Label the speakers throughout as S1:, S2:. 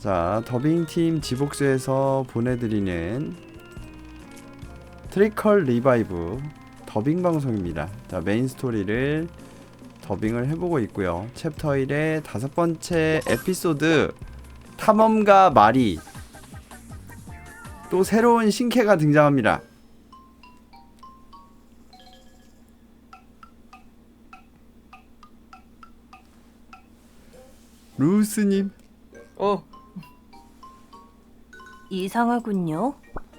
S1: 자, 더빙팀 지복수에서 보내드리는 트리컬 리바이브 더빙 방송입니다. 자, 메인 스토리를 더빙을 해보고 있고요. 챕터 1의 5번째 에피소드 탐험가 마리, 또 새로운 신캐가 등장합니다. 루스님.
S2: 이상하군요.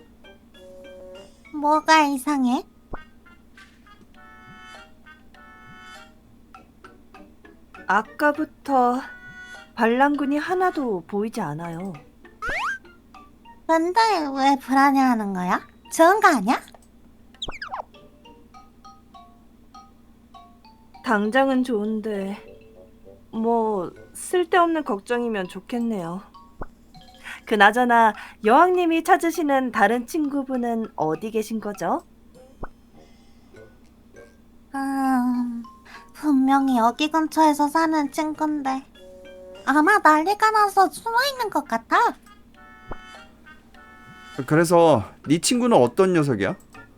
S3: 뭐가 이상해?
S2: 아까부터 반란군이 하나도 보이지 않아요.
S3: 근데 왜 불안해하는 거야? 좋은 거 아니야?
S2: 당장은 좋은데 뭐 쓸데없는 걱정이면 좋겠네요. 그나저나 여왕님이 찾으시는 다른 친구분은 어디 계신 거죠?
S3: 분명히 여기 근처에서 사는 친구인데 아마 난리가 나서 숨어있는 것 같아.
S1: 그래서 네 친구는 어떤 녀석이야?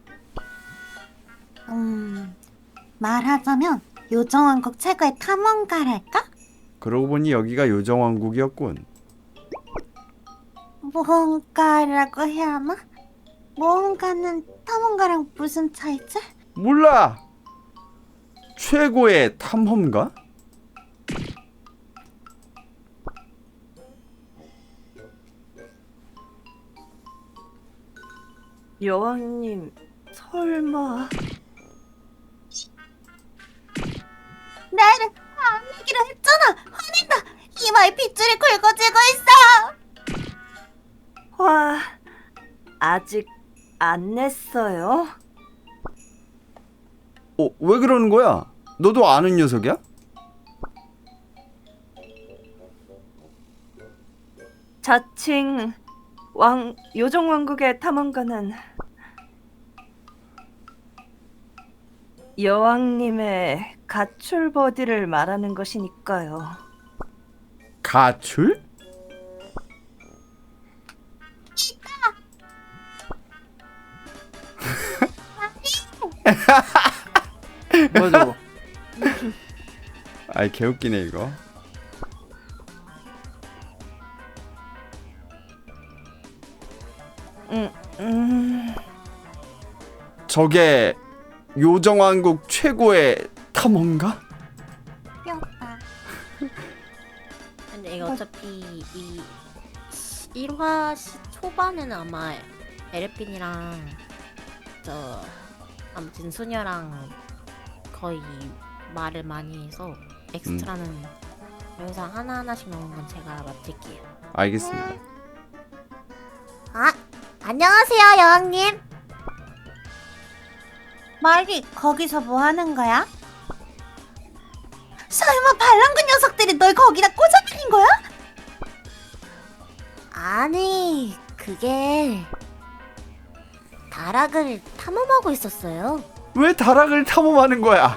S3: 말하자면 요정왕국 최고의 탐험가랄까?
S1: 그러고 보니 여기가 요정왕국이었군.
S3: 모험가라고 해야 하나? 모험가는 탐험가랑 무슨 차이지?
S1: 몰라! 최고의 탐험가?
S2: 여왕님 설마...
S3: 나를 안 내기로 했잖아! 화낸다! 이마에 핏줄이 굵어지고 있어!
S2: 화... 아직 안 냈어요?
S1: 왜 그러는 거야? 너도 아는 녀석이야?
S2: 자칭 요정왕국의 탐험가는 여왕님의 가출 버디를 말하는 것이니까요.
S1: 가출?
S4: 뭐야 저거?
S1: 아이, 개웃기네 이거. 저게 요정왕국 최고의 탐험가?
S3: 귀엽다.
S5: 근데 이거 어차피 이 1화 초반에는 아마 에르핀이랑 아무튼 소녀랑 거의 말을 많이 해서 엑스트라는 영상 하나하나씩 나오는 건 제가 맡을게요.
S1: 알겠습니다.
S5: 아! 안녕하세요 여왕님!
S3: 말이 거기서 뭐 하는 거야? 설마 반란군 녀석들이 널 거기다 꽂아들인 거야?
S5: 아니 그게 다락을 탐험하고 있었어요.
S1: 왜 다락을 탐험하는 거야?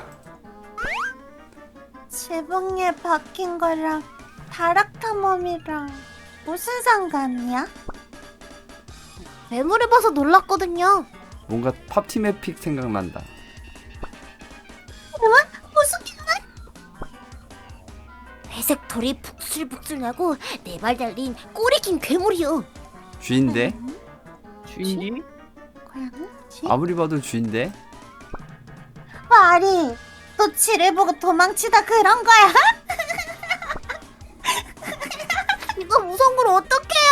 S3: 지붕에 박힌 거랑 다락 탐험이랑 무슨 상관이야?
S5: 매물을 봐서 놀랐거든요.
S1: 뭔가 팝팀 에픽 생각난다.
S3: 무슨 기분?
S5: 회색 털이 북슬북슬 나고 네 발 달린 꼬리 긴 괴물이요.
S1: 쥐인데?
S4: 쥐인지?
S3: 고양이?
S1: 아무리 봐도 쥐인데?
S3: 말이 너 쥐를 보고 도망치다 그런 거야?
S5: 이거 무서운 걸 어떡해요.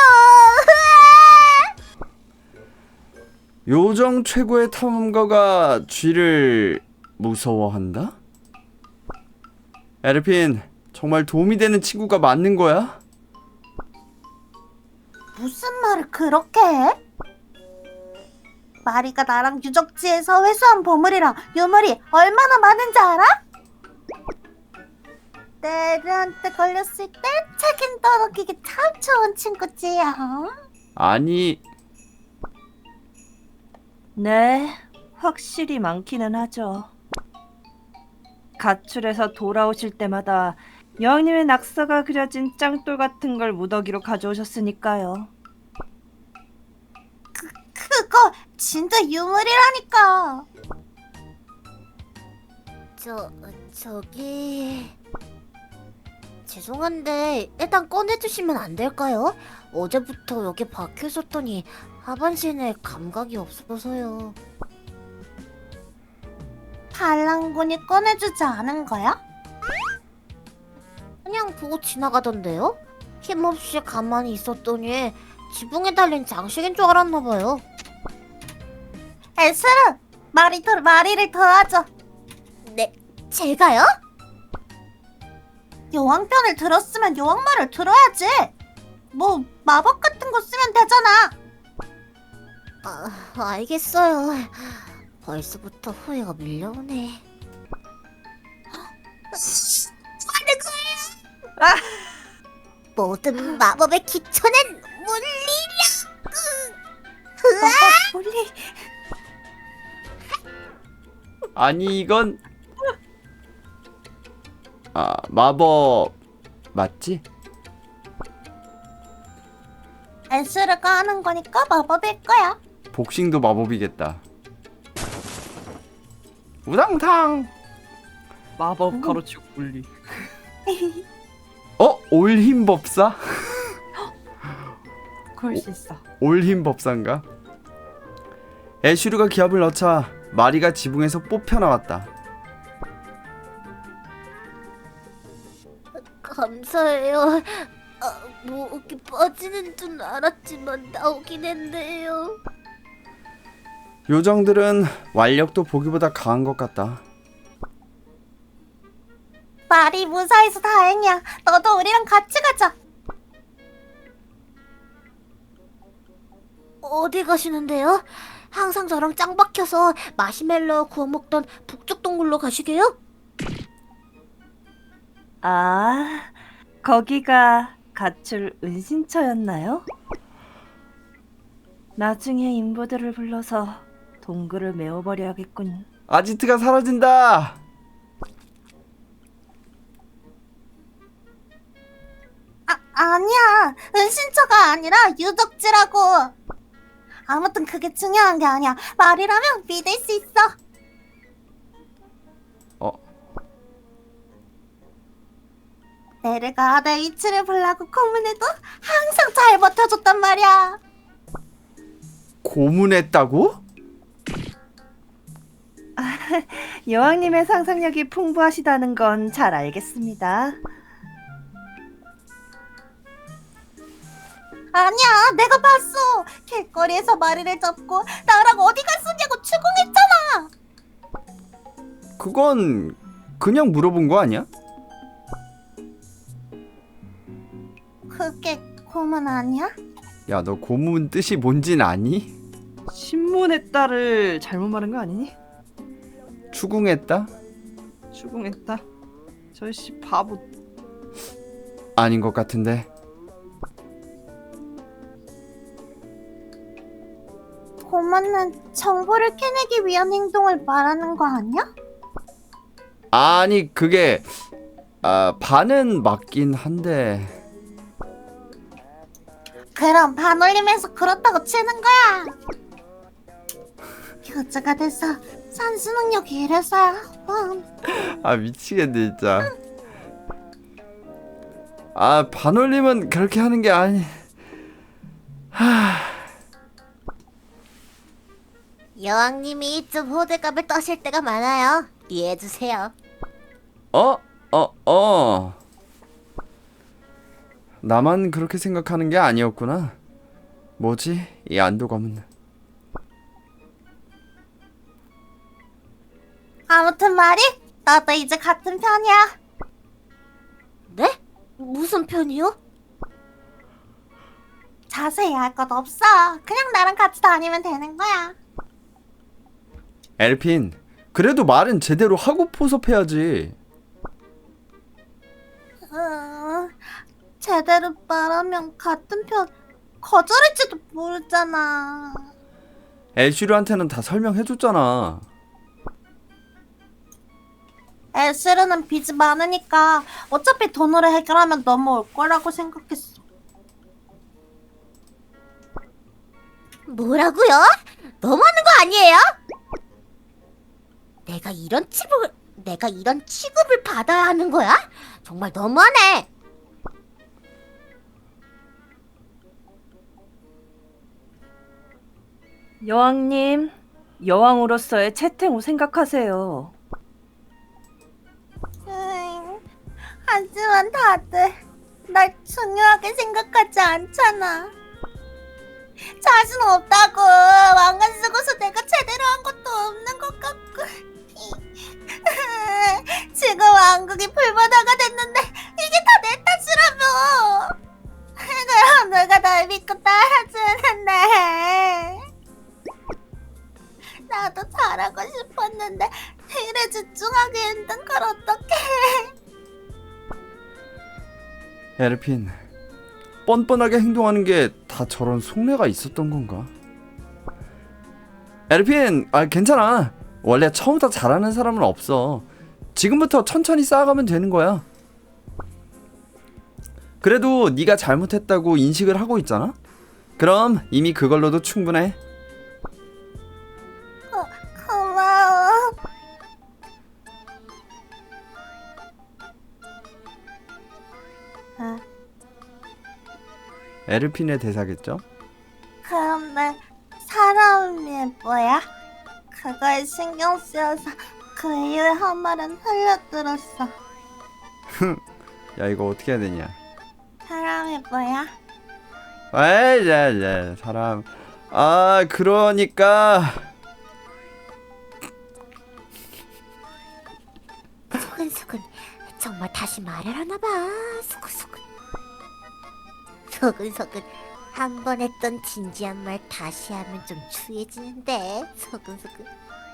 S1: 요정 최고의 탐험가가 쥐를 무서워한다? 에르핀, 정말 도움이 되는 친구가 맞는 거야?
S3: 무슨 말을 그렇게 해? 마리가 나랑 유적지에서 회수한 보물이랑 유물이 얼마나 많은지 알아? 내한테 걸렸을 때 책임 떠넘기기 참 좋은 친구지요.
S1: 아니,
S2: 네, 확실히 많기는 하죠. 가출해서 돌아오실 때마다 여왕님의 낙서가 그려진 짱돌 같은 걸 무더기로 가져오셨으니까요.
S3: 그거 진짜 유물이라니까.
S5: 저기 죄송한데 일단 꺼내주시면 안 될까요? 어제부터 여기 박혀 있었더니 하반신에 감각이 없어서요.
S3: 반란군이 꺼내주지 않은 거야?
S5: 그냥 보고 지나가던데요? 힘없이 가만히 있었더니 지붕에 달린 장식인 줄 알았나봐요.
S3: 에스르, 마리를 도와줘.
S5: 네, 제가요?
S3: 여왕 편을 들었으면 여왕 말을 들어야지. 뭐 마법 같은 거 쓰면 되잖아.
S5: 알겠어요. 벌써부터 후회가 밀려오네. 하는 거예요! 모든 마법의 기초는 물리력!
S3: 몰리.
S1: 아니 이건 마법 맞지?
S3: 에스르가 하는 거니까 마법일 거야.
S1: 복싱도 마법이겠다. 우당탕.
S4: 마법 가로치고 분리.
S1: 올힘법사?
S2: 그럴 수 있어.
S1: 올힘법사인가? 애슈르가 기합을 넣자 마리가 지붕에서 뽑혀 나왔다.
S5: 감사해요. 목이 빠지는 줄 알았지만 나오긴 했네요.
S1: 요정들은 완력도 보기보다 강한 것 같다.
S3: 말이 무사해서 다행이야. 너도 우리랑 같이 가자.
S5: 어디 가시는데요? 항상 저랑 짱 박혀서 마시멜로 구워 먹던 북쪽 동굴로 가시게요?
S2: 아, 거기가 가출 은신처였나요? 나중에 인부들을 불러서 동굴을 메워버려야겠군.
S1: 아지트가 사라진다.
S3: 아니야. 은신처가 아니라 유적지라고. 아무튼 그게 중요한 게 아니야. 말이라면 믿을 수 있어. 내르가 내 위치를 보려고 고문해도 항상 잘 버텨줬단 말이야.
S1: 고문했다고?
S2: 여왕님의 상상력이 풍부하시다는 건 잘 알겠습니다.
S3: 아니야, 내가 봤어. 길거리에서 마리를 잡고 나랑 어디 갔었냐고 추궁했잖아.
S1: 그건 그냥 물어본 거 아니야?
S3: 그게 고문 아니야?
S1: 야, 너 고문 뜻이 뭔진 아니?
S2: 신문의 딸을 잘못 말한 거 아니니?
S1: 추궁했다?
S2: 추궁했다. 저씨 바보.
S1: 아닌 것 같은데.
S3: 고문은 정보를 캐내기 위한 행동을 말하는 거 아니야?
S1: 아니 그게 반은 맞긴 한데.
S3: 그럼 반올림해서 그렇다고 치는 거야. 효자가 돼서 산수 능력이 이래서야.
S1: 미치겠네 진짜. 반올림은 그렇게 하는 게 아니.
S5: 여왕님이 좀 호들갑을 떠실 때가 많아요. 이해해주세요.
S1: 나만 그렇게 생각하는 게 아니었구나. 뭐지? 이 안도감은.
S3: 아무튼 말이 나도 이제 같은 편이야.
S5: 네? 무슨 편이요?
S3: 자세히 할 것 없어. 그냥 나랑 같이 다니면 되는 거야.
S1: 엘핀, 그래도 말은 제대로 하고 포섭해야지.
S3: 제대로 말하면 같은 편 거절할지도 모르잖아.
S1: 엘슈르한테는 다 설명해줬잖아.
S3: 에스르는 빚이 많으니까 어차피 돈으로 해결하면 넘어올 거라고 생각했어.
S6: 뭐라고요? 너무하는 거 아니에요? 내가 이런 취급을 받아야 하는 거야? 정말 너무하네.
S2: 여왕님, 여왕으로서의 채택을 생각하세요.
S3: 하지만 다들 날 중요하게 생각하지 않잖아. 자신 없다고. 왕관 쓰고서 내가 제대로 한 것도 없는 것 같고. 지금 왕국이 불바다가 됐는데 이게 다 내 탓이라며. 그럼 내가 날 믿고 따라주는데. 나도 잘하고 싶었는데 일에 집중하기 힘든 걸 어떡해.
S1: 에르핀, 뻔뻔하게 행동하는 게 다 저런 속내가 있었던 건가? 에르핀, 괜찮아. 원래 처음부터 잘하는 사람은 없어. 지금부터 천천히 쌓아가면 되는 거야. 그래도 네가 잘못했다고 인식을 하고 있잖아? 그럼 이미 그걸로도 충분해.
S3: 고마워.
S1: 에르핀의 대사겠죠?
S3: 그럼 내 사람이 뭐야? 그거에 신경 쓰여서 그 이후에 한 말은 흘려들었어.
S1: 야, 이거 어떻게 해야 되냐?
S3: 사람이 뭐야?
S1: 에이, 야, 사람. 그러니까
S6: 소근소근 정말 다시 말을 하나봐. 소근소근 소근소근 한 번 했던 진지한 말 다시 하면 좀 추해지는데. 소근소근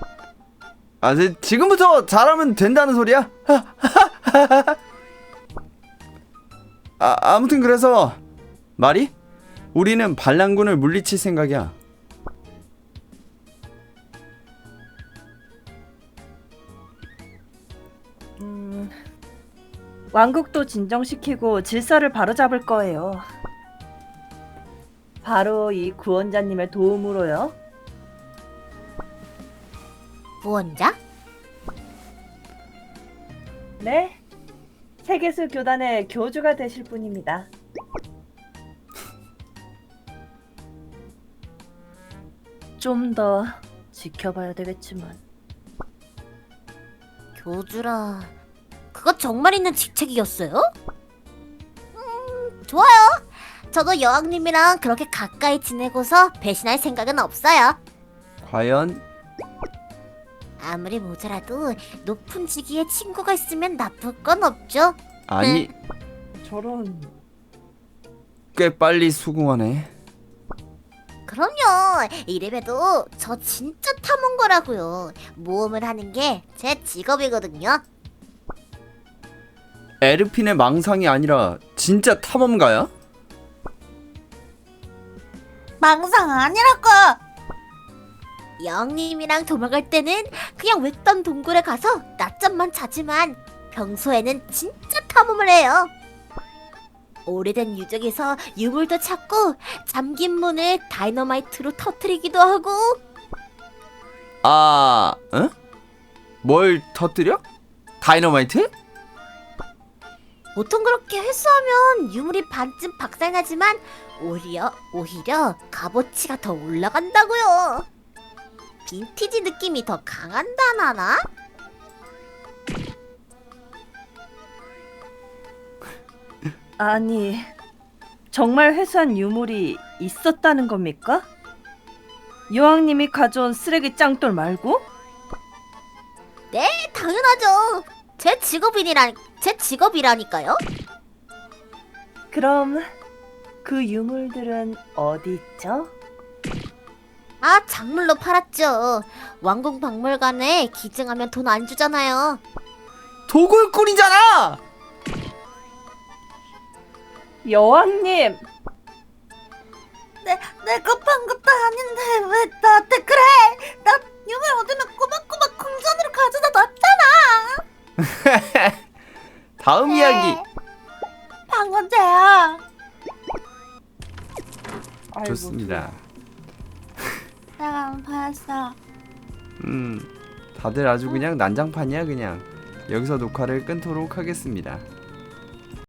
S1: 지금부터 잘하면 된다는 소리야? 아무튼 그래서 말이? 우리는 반란군을 물리칠 생각이야.
S2: 왕국도 진정시키고 질서를 바로잡을 거예요. 바로 이 구원자님의 도움으로요.
S6: 무언자?
S2: 네, 세계수 교단의 교주가 되실 분입니다. 좀 더 지켜봐야 되겠지만.
S6: 교주라, 그거 정말 있는 직책이었어요? 좋아요. 저도 여왕님이랑 그렇게 가까이 지내고서 배신할 생각은 없어요.
S1: 과연
S6: 아무리 모자라도 높은 직위에 친구가 있으면 나쁠 건 없죠.
S1: 아니,
S2: 저런.
S1: 꽤 빨리 수긍하네.
S6: 그럼요. 이래봬도 저 진짜 탐험거라고요. 모험을 하는 게 제 직업이거든요.
S1: 에르핀의 망상이 아니라 진짜 탐험가야?
S3: 망상 아니라고.
S6: 여왕님이랑 도망갈 때는 그냥 외딴 동굴에 가서 낮잠만 자지만 평소에는 진짜 탐험을 해요. 오래된 유적에서 유물도 찾고 잠긴 문을 다이너마이트로 터뜨리기도 하고.
S1: 응? 뭘 터뜨려? 다이너마이트?
S6: 보통 그렇게 회수하면 유물이 반쯤 박살나지만 오히려 값어치가 더 올라간다고요. 빈티지 느낌이 더 강한다나나?
S2: 아니, 정말 회수한 유물이 있었다는 겁니까? 여왕님이 가져온 쓰레기 짱돌 말고?
S6: 네, 당연하죠. 제 직업이라니까요.
S2: 그럼 그 유물들은 어디 있죠?
S6: 작물로 팔았죠. 왕궁 박물관에 기증하면 돈 안 주잖아요.
S1: 도굴꾼이잖아!
S2: 여왕님!
S3: 내가 판 것도 아닌데 왜 나한테 그래? 나 유물 얻으면 꼬박꼬박 궁전으로 가져다
S1: 다음 이야기.
S3: 방금 쟤야.
S4: 아이고,
S1: 좋습니다.
S3: 내가 안 보였어.
S1: 다들 아주 그냥 난장판이야 그냥. 여기서 녹화를 끊도록 하겠습니다.